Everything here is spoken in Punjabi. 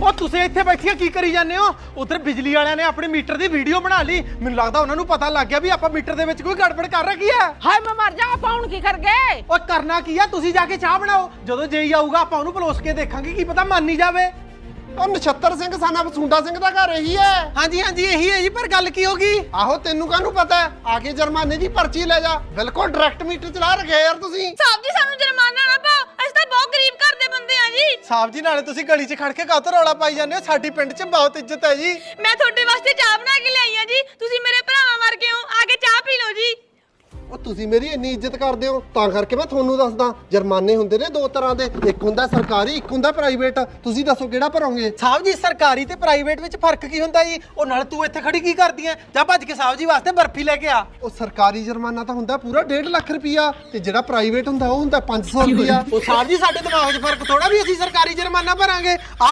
ਉਹ ਤੁਸੀਂ ਇੱਥੇ ਬੈਠੀਆਂ ਕੀ ਕਰੀ ਜਾਂਦੇ ਹੋ? ਉਧਰ ਬਿਜਲੀ ਵਾਲਿਆਂ ਨੇ ਆਪਣੇ ਮੀਟਰ ਦੀ ਵੀਡੀਓ ਬਣਾ ਲਈ। ਮੈਨੂੰ ਲੱਗਦਾ ਉਹਨਾਂ ਨੂੰ ਪਤਾ ਲੱਗ ਗਿਆ ਵੀ ਆਪਾਂ ਮੀਟਰ ਦੇ ਵਿੱਚ ਕੋਈ ਗੜਬੜ ਕਰ ਰੱਖੀ ਹੈ। ਹਾਏ ਮੈਂ ਮਰ ਜਾ, ਆਪਾਂ ਹੁਣ ਕੀ ਕਰ ਗਏ? ਉਹ ਕਰਨਾ ਕੀ ਆ, ਤੁਸੀਂ ਜਾ ਕੇ ਚਾਹ ਬਣਾਓ। ਜਦੋਂ ਜੇਈ ਆਊਗਾ ਆਪਾਂ ਉਹਨੂੰ ਪਲੋਸ ਕੇ ਦੇਖਾਂਗੇ, ਕੀ ਪਤਾ ਮੰਨ ਹੀ ਜਾਵੇ। ਉਹ ਨਛੱਤਰ ਸਿੰਘ ਸਾਨਾ ਬਸੁੰਡਾ ਸਿੰਘ ਦਾ ਘਰ ਇਹੀ ਹੈ। ਹਾਂਜੀ ਹਾਂਜੀ ਇਹੀ ਹੈ ਜੀ, ਪਰ ਗੱਲ ਕੀ ਹੋ ਗਈ? ਆਹੋ ਤੈਨੂੰ ਕਾਹਨੂੰ ਪਤਾ? ਆ ਕੇ ਜੁਰਮਾਨੇ ਦੀ ਪਰਚੀ ਲੈ ਜਾ। ਬਿਲਕੁਲ ਡਾਇਰੈਕਟ ਮੀਟਰ ਚਲਾ ਰੱਖਿਆ ਯਾਰ ਤੁਸੀਂ। ਸਾਹਿਬ ਜੀ ਸਾਨੂੰ ਜੁਰਮਾਨਾ ਨਾ ਪਾਓ, ਅਸੀਂ ਤਾਂ ਬਹੁਤ ਗਰੀਬ ਘਰ ਦੇ ਬੰਦੇ ਆ ਜੀ। ਸਾਹਿਬ ਜੀ ਨਾਲੇ ਤੁਸੀਂ ਗਲੀ 'ਚ ਖੜ ਕੇ ਕਾਹਤੋਂ ਰੌਲਾ ਪਾਈ ਜਾਂਦੇ ਹੋ? ਸਾਡੀ ਪਿੰਡ 'ਚ ਬਹੁਤ ਇੱਜ਼ਤ ਹੈ ਜੀ। ਮੈਂ ਤੁਹਾਡੇ ਵਾਸਤੇ ਚਾਹ ਬਣਾ ਕੇ ਲਿਆਈ ਆ ਜੀ, ਤੁਸੀਂ ਮੇਰੇ ਭਰਾਵਾਂ ਵਰਗੇ ਹੋ, ਆ ਕੇ ਚਾਹ ਪੀ ਲਓ ਜੀ। ਉਹ ਤੁਸੀਂ ਮੇਰੀ ਇੰਨੀ ਇੱਜ਼ਤ ਕਰਦੇ ਹੋ ਤਾਂ ਕਰਕੇ ਮੈਂ ਤੁਹਾਨੂੰ ਦੱਸਦਾ। ਜੁਰਮਾਨੇ ਹੁੰਦੇ ਨੇ ਦੋ ਤਰ੍ਹਾਂ ਦੇ, ਇੱਕ ਹੁੰਦਾ ਸਰਕਾਰੀ, ਇੱਕ ਹੁੰਦਾ ਪ੍ਰਾਈਵੇਟ। ਤੁਸੀਂ ਦੱਸੋ ਕਿਹੜਾ ਭਰੋਗੇ? ਸਾਹਿਬ ਜੀ ਸਰਕਾਰੀ ਤੇ ਪ੍ਰਾਈਵੇਟ ਵਿੱਚ ਫਰਕ ਕੀ ਹੁੰਦਾ ਜੀ? ਉਹ ਨਾਲ ਤੂੰ ਇੱਥੇ ਖੜੀ ਕੀ ਕਰਦੀ ਐ? ਜਾ ਭੱਜ ਕੇ ਸਾਹਿਬ ਜੀ ਵਾਸਤੇ ਬਰਫੀ ਲੈ ਕੇ ਆ। ਉਹ ਸਰਕਾਰੀ ਜੁਰਮਾਨਾ ਤਾਂ ਹੁੰਦਾ ਪੂਰਾ 1.5 ਲੱਖ ਰੁਪਇਆ, ਤੇ ਜਿਹੜਾ ਪ੍ਰਾਈਵੇਟ ਹੁੰਦਾ ਉਹ ਹੁੰਦਾ 500 ਰੁਪਇਆ। ਉਹ ਸਾਹਿਬ ਜੀ ਸਾਡੇ ਦਿਮਾਗ 'ਚ ਫਰਕ ਥੋੜਾ ਵੀ ਅਸੀਂ ਸਰਕਾਰੀ ਜੁਰਮਾਨਾ ਭਰਾਂਗੇ।